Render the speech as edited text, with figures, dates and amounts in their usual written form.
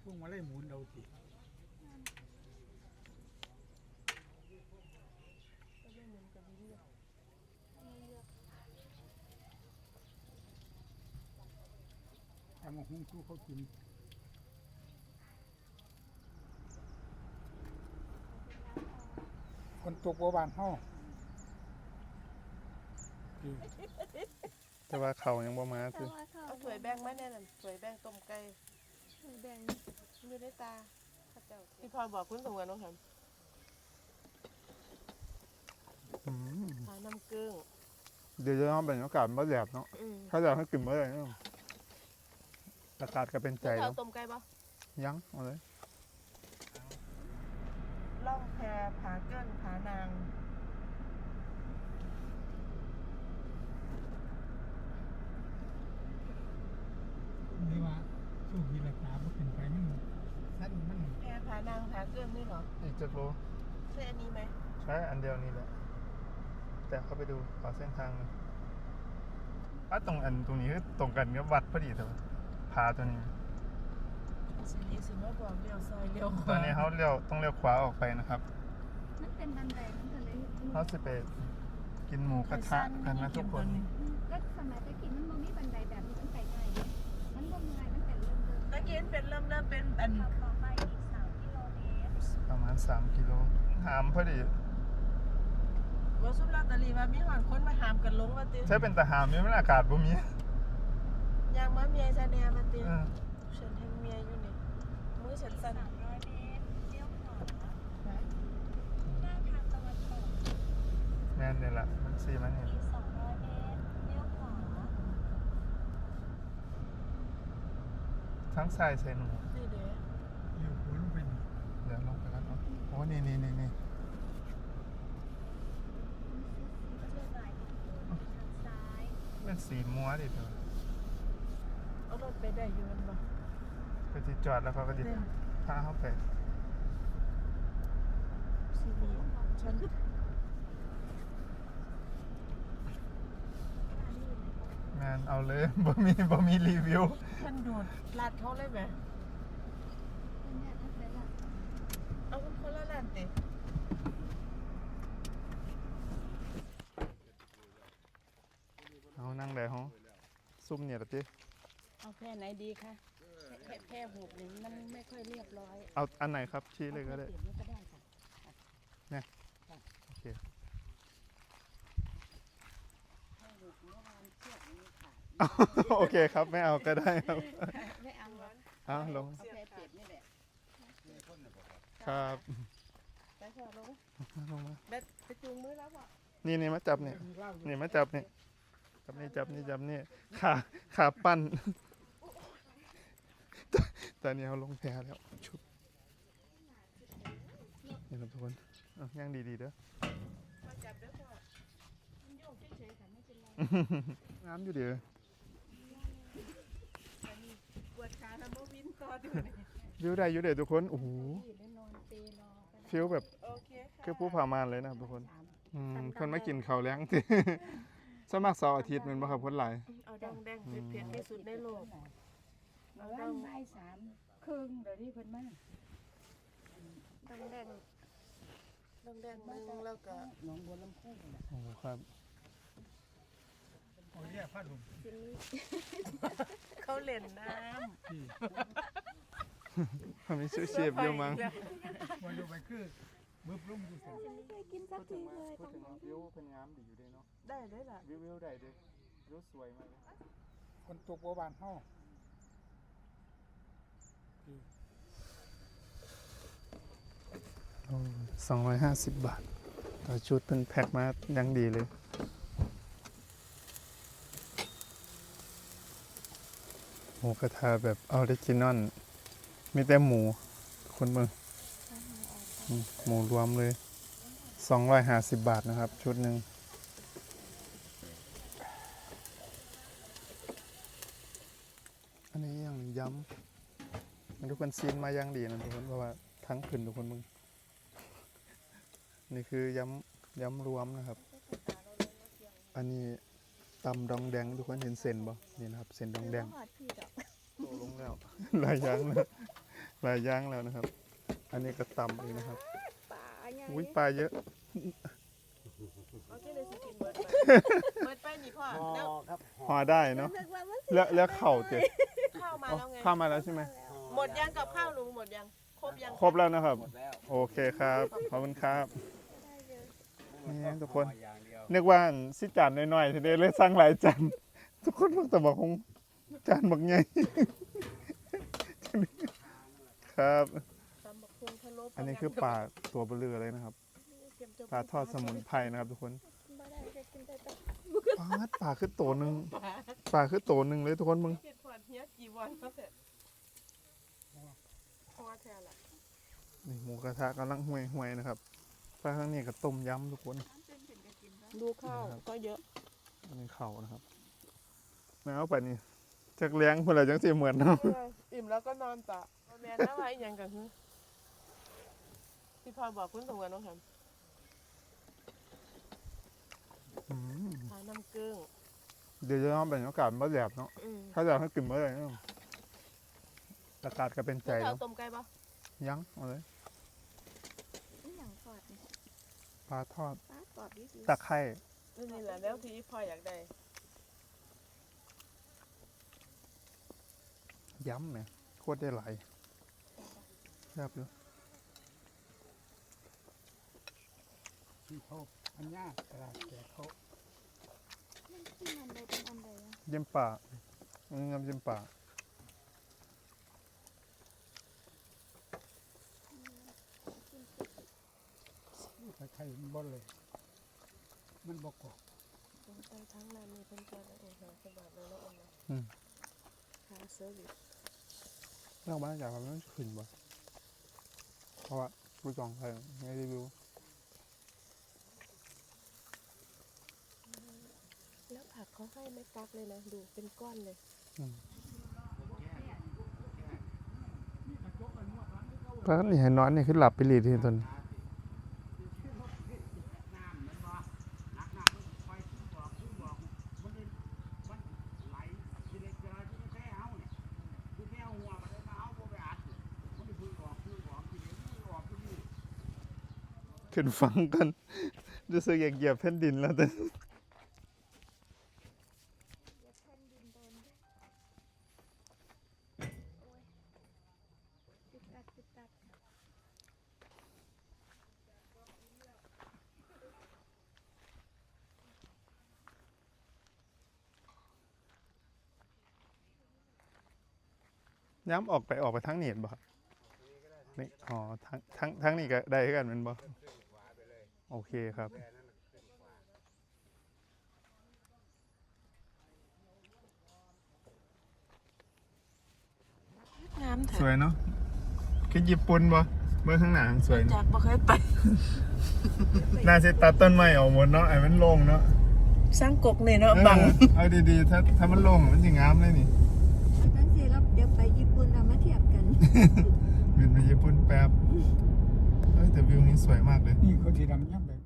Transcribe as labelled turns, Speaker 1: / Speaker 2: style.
Speaker 1: วงมาไล่หมุนเอาสิเอามาหุ้งสู้เขากินคนตกบัวบานห้อ
Speaker 2: แต่ว่าเขายังบ่มาคือ
Speaker 3: เอาถ้วยแบ่งมาแน่นั่นถ้วยแบ่งต้มไก่แบ่งอยู่ในตาข้าเจ้าที่พ่อบอกคุณสมควรน้องทำทาน้ำเกลือ
Speaker 2: เดี๋ยวจะต้องเป็นอากาศมันแดดเนาะถ้าแดดให้กลิ่นเมื่อไหร่เนาะอากาศก็เป็นใจ
Speaker 3: เอา
Speaker 2: แล้ว
Speaker 3: ต้มไก่ปะ
Speaker 2: ยังเอาเลย
Speaker 3: ล่องแพผาเกิ้งผานาง
Speaker 1: นี่ว่าสู้กีฬาตาบ่ขึ้นไปมันสั้นมัน
Speaker 3: แพผานางผาเกิ้งนี่เหรอ
Speaker 2: อีกจะรู้
Speaker 3: ใช่อันนี้ไหม
Speaker 2: ใช้อันเดียวนี่แหละแต่เข้าไปดูขอเส้นทางหน่อยตรงนี้คือตรงกันกับวัดพอดีแต่ว่าพาตัวนี้
Speaker 3: สินี้สิมาบอกเลี้ยวซอยเลี้ยวข
Speaker 2: ตอ
Speaker 3: วาน
Speaker 2: นี้เขาต้องเลี้ยวขวาออกไปนะครับ
Speaker 4: มันเป็นบันไดมันก็เลย
Speaker 2: เขาจะไปกินหมูกระทะกันนะทุกคน
Speaker 4: ก็สมัยตะกี้มันบ่มีบันไดแบบนี้มันไปง่ายเลยมันบ่ง่ายมันเป็นเริ่ม
Speaker 3: ตะกี้เป็นเริ่มเป็นอัน
Speaker 4: ขับต่อไปอีก3 กิโลเมตร
Speaker 2: ประมาณ3 กิโลหามพอดี
Speaker 3: ว่าซุปลอตเตอรี่ว่ามีหอนคนมาหามกันลงมาติ
Speaker 2: ใช้เป็นตะหามนี่มันอากาศบ่มี
Speaker 3: ยางมาเมียซะแน่มาติฉันแทงเมียอยู่นี่มือฉันสั่น
Speaker 4: 300 เมตรเลี้ยวขวาหน้าทางตะวันตก
Speaker 2: แม่นนี่แหละมันซีมันนี่
Speaker 4: อีก200 เมตรเลี้ยวขวา
Speaker 2: ทั้งทรายใส่หนู
Speaker 3: นี่เด้
Speaker 1: อยู่หัวลงไปนี่
Speaker 2: เดี๋ยวลงไปแล้วเนาะโอ้นี่
Speaker 4: ก็เลยบ่ายทางซ้าย
Speaker 2: เป็นสีมัวดิเธอ
Speaker 3: เอารถไปได้อยู่มันบ่
Speaker 2: ก็จะจอดแล้วเขาก็จะพาเข้าไป
Speaker 3: สินี้ฉัน
Speaker 2: งานเอาเลย บ่มีรีวิว
Speaker 3: ฉันโดดลาดเขาเลยไหม
Speaker 4: เนี่ยนั่นเป็นหลัก
Speaker 3: เอาคนละลานติ
Speaker 2: เอานั่งได้ห้องซุ่มเนี่ยละติ
Speaker 3: เอาแพร่ไหนดีคะแพร่หูบนี่มันไม่ค่อยเรียบร้อย
Speaker 2: เอาอันไหนครับชี้เลยก็ได้
Speaker 3: เปลี่ยนก็ได้ค่ะ
Speaker 2: โอเค
Speaker 3: แพร่หูบเมื่อวานเชือกนี้ขาด
Speaker 2: โอเคครับไม่เอาก็ได้ครับ
Speaker 3: ไม่เอาหรอก
Speaker 2: เอาลง
Speaker 3: เอาแพร่เปียกนี่แหละ
Speaker 2: ครับ
Speaker 3: ไปเถอะลง
Speaker 2: ลงมา
Speaker 3: เด็ดไปจูงมือแล้วบ่
Speaker 2: นี่มาจับนี่
Speaker 1: มีเหล้าอยู่
Speaker 2: นี่มาจับนี่จับนี่ขาปั้นตอนนี้เขาลงแพแล้วชุบนี่ครับทุกคนย่างดีๆเด้อ
Speaker 3: มาจับเด้อพ่อมันโยกเฉยๆค่ะไม่เป็นไร
Speaker 2: น้ำอยู่เดี๋ยว
Speaker 3: อันนี้ปวดขาแล้วบ่วินต่อดูนี่
Speaker 2: วิวได้อยู่เดี๋ยวทุกคนโอ้โห
Speaker 3: อยู่แล้วนอนเปรรอก็ได้
Speaker 2: ฟิลแบบ
Speaker 3: โอเคค่ะ
Speaker 2: คือผู้ผ่ามานเลยนะครับทุกคนคนมากินข้าวแล้ง สมัครเสาร์อาทิตย์แมันบ่ครับคนหลาย
Speaker 3: เอาดังแดงเผ็ดๆที่สุดในโลก
Speaker 5: เอาว่านบ่าย3 ครึ่งเดี๋ยวนี้เพิ่นมา
Speaker 3: ดังแดงดังแดงนึงแล้วก็
Speaker 5: หนองบัวลำพูนั่นน่ะ
Speaker 2: โอ้โหครับ
Speaker 1: โอ้ยแย่ผ้าถุง
Speaker 3: เขาเล่นน้
Speaker 1: ที่
Speaker 2: มีชื่อ
Speaker 3: ำ
Speaker 2: เชฟเยอะมั้ง
Speaker 1: วันลงไปคือบึ้บลงอยู่เสร็จ
Speaker 4: ไม่เคยกินสักทีเลย
Speaker 2: พูดถึงวิวเป็นงามดีอยู่ด้วยเนาะ
Speaker 3: ได้เลยล่ะ
Speaker 2: วิวได้ด้วยวิวสวยมากเลย
Speaker 1: คนตกบัวบานห้อ
Speaker 2: 250 บาทต่อชุดเป็นแพ็คมายังดีเลยหมูกระทะแบบออริจินอลมีแต่หมูคนเมืองหมูรวมเลย250 บาทนะครับ ชุดหนึ่งอันนี้ยังย้ำมันทุกคนซีนมายังดีนะทุกคนเพราะว่าทั้งขึ้นทุกคนมึงนี่คือย้ำรวมนะครับ อันนี้ตำดองแดงทุกคนเห็นเส้นบ่นี่นะครับเส้นดองแดง
Speaker 4: หอดพี่ดอก
Speaker 2: โตลงแล้ว หลายอย่างนะปลาย่างแล้วนะครับ อันนี้ก็ตำเองนะครับ
Speaker 4: ปลาใหญ่
Speaker 2: อุ้ยปลาเยอะ
Speaker 3: เอาที่เลยสิกินเบิร์ดไปเบิร์ดไปนี่พ่อแล้ว
Speaker 2: ห่อได้เนาะ
Speaker 4: นึกว่ามัน
Speaker 2: แล้วเข่าเจ็ด
Speaker 3: ข้าวมาแล้วไง
Speaker 2: เข้ามาแล้วใช่ไหม
Speaker 3: หมดยังกับข้าวลุงหมดยังครบยัง
Speaker 2: ครบแล้วนะครับ โอเคครับขอบคุณครับ
Speaker 4: ได้เยอะ
Speaker 2: นี่ทุกคนนึกว่าสิจานน้อยๆทีเดียวเลยสั่งหลายจานทุกคนพวกแต่บอกคงจานบักใหญ่ครับ
Speaker 3: ตำบักหุ่งทะลุ
Speaker 2: อันนี้คือปลาตัวเบลือเลยนะครับปลาทอดสมุนไพรนะครับทุกคน
Speaker 4: บ่ได้จะกินแต่ตัว
Speaker 2: ปลาคือตัวหนึ่งปลาคือตัวหนึ่งเลยทุกคนมึง
Speaker 3: เก็บขวดเฮียกี่วันก็เสร็จพอแทนละ
Speaker 2: นี่หมูกระทะกำลังห่วยๆนะครับปลาข้างนี้ก็ต้มยำทุกคน
Speaker 3: ดูข้าวก็เยอะ
Speaker 2: อันนี้เข่านะครับแมวไปนี่จากเลี้ยงเพื่อจังสิเหมือนเนาะ
Speaker 3: อิ่มแล้วก็นอนต่อแม่น่าไว้ยังกันที่พ่อบอกคุณสมกันน้องแฮม
Speaker 2: อืม
Speaker 3: ทานน้ำกึ้ง
Speaker 2: เดี๋ยวจะต้องเป็นอากาศมาแดดเนาะถ้าอยากให้กินเมื่อไหร่เนาะอากาศก็เป็นใจ
Speaker 3: แล้ว
Speaker 2: เนาะ
Speaker 3: ต้มไก่ปะ
Speaker 2: ยังเอาเลย
Speaker 4: นี่หยังกอดนี่
Speaker 2: ปลาทอด
Speaker 4: ปลากอดดิ
Speaker 2: ตะไคร้
Speaker 3: นี่แหละแล้วที่พ่ออยากได้
Speaker 2: ย้ำเนี่ยโคตรได้หลายแซ่บอยู่
Speaker 1: ที่เขาอันยากตลาดแก่เขา
Speaker 4: มันกินอันใดเป็นอันใดอะ
Speaker 2: เยี่ยมป่าอันนี้น้ำเยี่ยมป่า
Speaker 1: ใครๆมันบ่เลยมันบ่กอก
Speaker 3: เป็นทั้งนั้นมีเป็นตัวเองค่ะสบายเลยแล้วอมนะหาเซอร์วิส
Speaker 2: เราบ้านอยากทำมันขึ้นบ่เพราะว่าผู้จองใครไม่รีวิว
Speaker 3: แล้วผักเขาให้ไม่กักเลยนะดูเป็นก้อนเลย
Speaker 2: ปลานี่ให้นอนนี่คือหลับไปหลีทีตนขึ้นฟังกันรู้สึกอยากเหยียบแผ่นดินแล้วแต่
Speaker 4: เดี๋ยวแผ่นดินโดนด้วยโอ้ยติดตัด
Speaker 2: ย้ำออกไปทางนี้เห็นบ่ครับนี่อ๋อทางนี้ก็ได้คือกันเป็นบ่โอเคครับ
Speaker 3: งาม
Speaker 2: สวยเนาะคือญี่ปุ่นบ่เมื่อข้างหน้าสวย
Speaker 3: จากบ่เคยไป
Speaker 2: น่าจะตัดต้นไม้ออกหมดเนาะไอ้มันโล่งเนาะ
Speaker 3: สร้างกกเนี่ยเนาะบัง
Speaker 2: เอาดีๆถ้ามันโล่งมันสิงามเลยนี่
Speaker 4: ตั้งสิเราเดี๋ยวไปญี่ปุ่นเรามาเทียบกัน
Speaker 2: บินไปญี่ปุ่นแป๊บเฮ้ยแต่วิวนี้สวยมากเลย
Speaker 1: นี่เขาที่ดำย่ำไป